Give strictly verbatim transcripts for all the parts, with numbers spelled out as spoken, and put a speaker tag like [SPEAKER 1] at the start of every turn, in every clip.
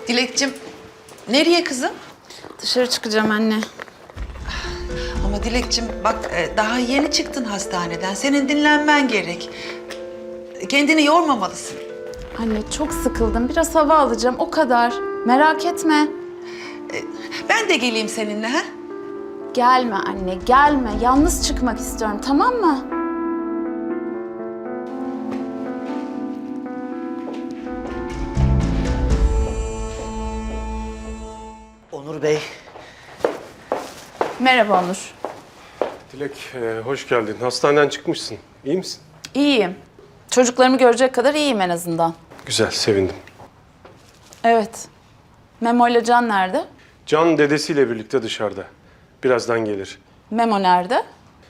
[SPEAKER 1] Dilekçim, nereye kızım?
[SPEAKER 2] Dışarı çıkacağım anne.
[SPEAKER 1] Ama Dilekçim bak e, daha yeni çıktın hastaneden. Senin dinlenmen gerek. Kendini yormamalısın.
[SPEAKER 2] Anne çok sıkıldım. Biraz hava alacağım. O kadar. Merak etme.
[SPEAKER 1] Ben de geleyim seninle ha?
[SPEAKER 2] Gelme anne, gelme. Yalnız çıkmak istiyorum, tamam mı?
[SPEAKER 3] Onur Bey.
[SPEAKER 2] Merhaba Onur.
[SPEAKER 4] Dilek, e, hoş geldin. Hastaneden çıkmışsın. İyi misin?
[SPEAKER 2] İyiyim. Çocuklarımı görecek kadar iyiyim en azından.
[SPEAKER 4] Güzel, sevindim.
[SPEAKER 2] Evet. Memo ile Can nerede?
[SPEAKER 4] Can dedesiyle birlikte dışarıda. Birazdan gelir.
[SPEAKER 2] Memo nerede?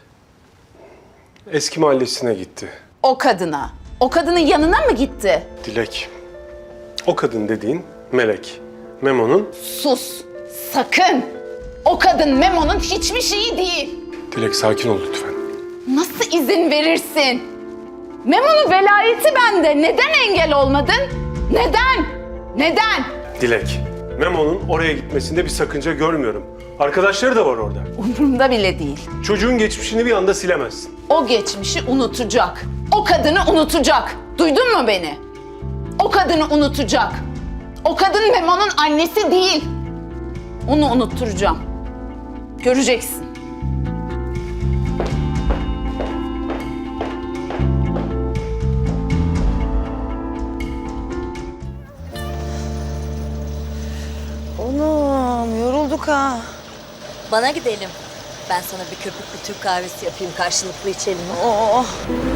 [SPEAKER 4] Eski mahallesine gitti.
[SPEAKER 2] O kadına. O kadının yanına mı gitti?
[SPEAKER 4] Dilek, o kadın dediğin Melek. Memo'nun...
[SPEAKER 2] Sus. Sakın. O kadın Memo'nun hiçbir şeyi değil.
[SPEAKER 4] Dilek, sakin ol lütfen.
[SPEAKER 2] Nasıl izin verirsin? Memo'nun velayeti bende. Neden engel olmadın? Neden? Neden?
[SPEAKER 4] Dilek, Memo'nun oraya gitmesinde bir sakınca görmüyorum. Arkadaşları da var orada.
[SPEAKER 2] Umurumda bile değil.
[SPEAKER 4] Çocuğun geçmişini bir anda silemezsin.
[SPEAKER 2] O geçmişi unutacak. O kadını unutacak. Duydun mu beni? O kadını unutacak. O kadın Memo'nun annesi değil. Onu unutturacağım. Göreceksin.
[SPEAKER 3] Oğlum yorulduk ha.
[SPEAKER 5] Bana gidelim. Ben sana bir köpüklü Türk kahvesi yapayım, karşılıklı içelim.
[SPEAKER 3] Oh.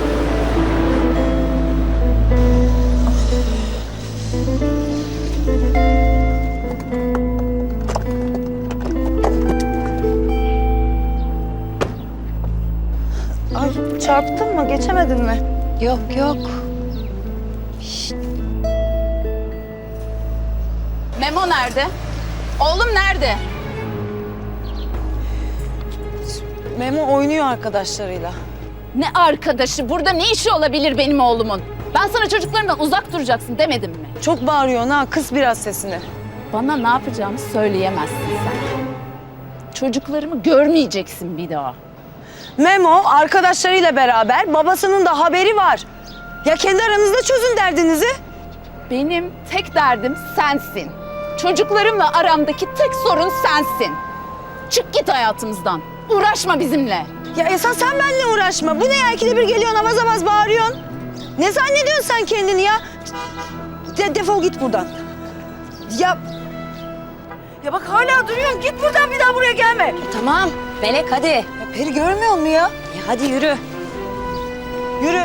[SPEAKER 3] Ay çarptın mı? Geçemedin mi?
[SPEAKER 5] Yok yok.
[SPEAKER 2] Memo nerede? Oğlum nerede?
[SPEAKER 3] Memo oynuyor arkadaşlarıyla.
[SPEAKER 2] Ne arkadaşı? Burada ne işi olabilir benim oğlumun? Ben sana çocuklarımdan uzak duracaksın demedim mi?
[SPEAKER 3] Çok bağırıyorsun ha. Kıs biraz sesini.
[SPEAKER 2] Bana ne yapacağımı söyleyemezsin sen. Çocuklarımı görmeyeceksin bir daha.
[SPEAKER 3] Memo arkadaşlarıyla beraber babasının da haberi var. Ya kendi aranızda çözün derdinizi.
[SPEAKER 2] Benim tek derdim sensin. Çocuklarımla aramdaki tek sorun sensin. Çık git hayatımızdan. Uğraşma bizimle.
[SPEAKER 3] Ya esas sen benimle uğraşma. Bu ne ya? İkide bir geliyorsun avaz avaz bağırıyorsun. Ne zannediyorsun sen kendini ya? De defol git buradan. Ya... Ya bak hala duruyorsun. Git buradan, bir daha buraya gelme.
[SPEAKER 5] Tamam, Melek hadi.
[SPEAKER 3] Ya Peri görmüyor musun ya?
[SPEAKER 5] Ya hadi yürü.
[SPEAKER 3] Yürü.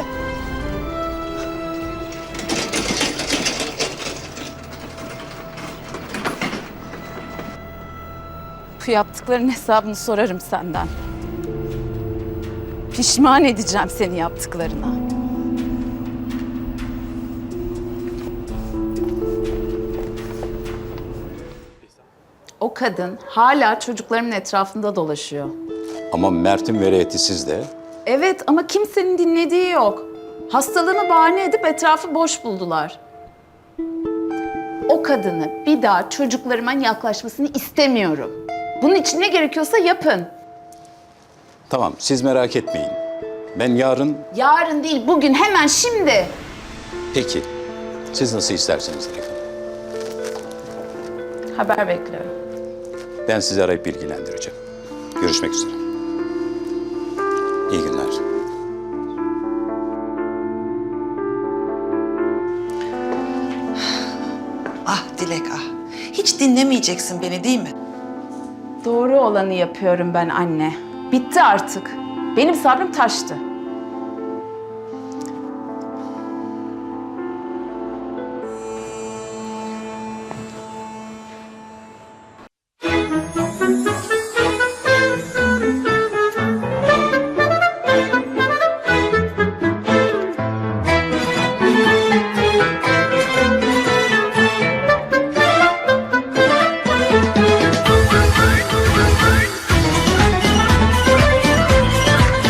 [SPEAKER 2] Bu yaptıkların hesabını sorarım senden. Pişman edeceğim seni yaptıklarına. O kadın hala çocuklarımın etrafında dolaşıyor.
[SPEAKER 6] Ama Mert'in velayeti sizde.
[SPEAKER 2] Evet ama kimsenin dinlediği yok. Hastalığımı bahane edip etrafı boş buldular. O kadını bir daha çocuklarıma yaklaşmasını istemiyorum. Bunun için ne gerekiyorsa yapın.
[SPEAKER 6] Tamam, siz merak etmeyin. Ben yarın...
[SPEAKER 2] Yarın değil, bugün, hemen şimdi.
[SPEAKER 6] Peki, siz nasıl isterseniz Dilek Hanım.
[SPEAKER 2] Haber bekliyorum.
[SPEAKER 6] Ben sizi arayıp bilgilendireceğim. Görüşmek üzere. İyi günler.
[SPEAKER 1] Ah Dilek ah. Hiç dinlemeyeceksin beni değil mi?
[SPEAKER 2] Doğru olanı yapıyorum ben anne. Bitti artık. Benim sabrım taştı.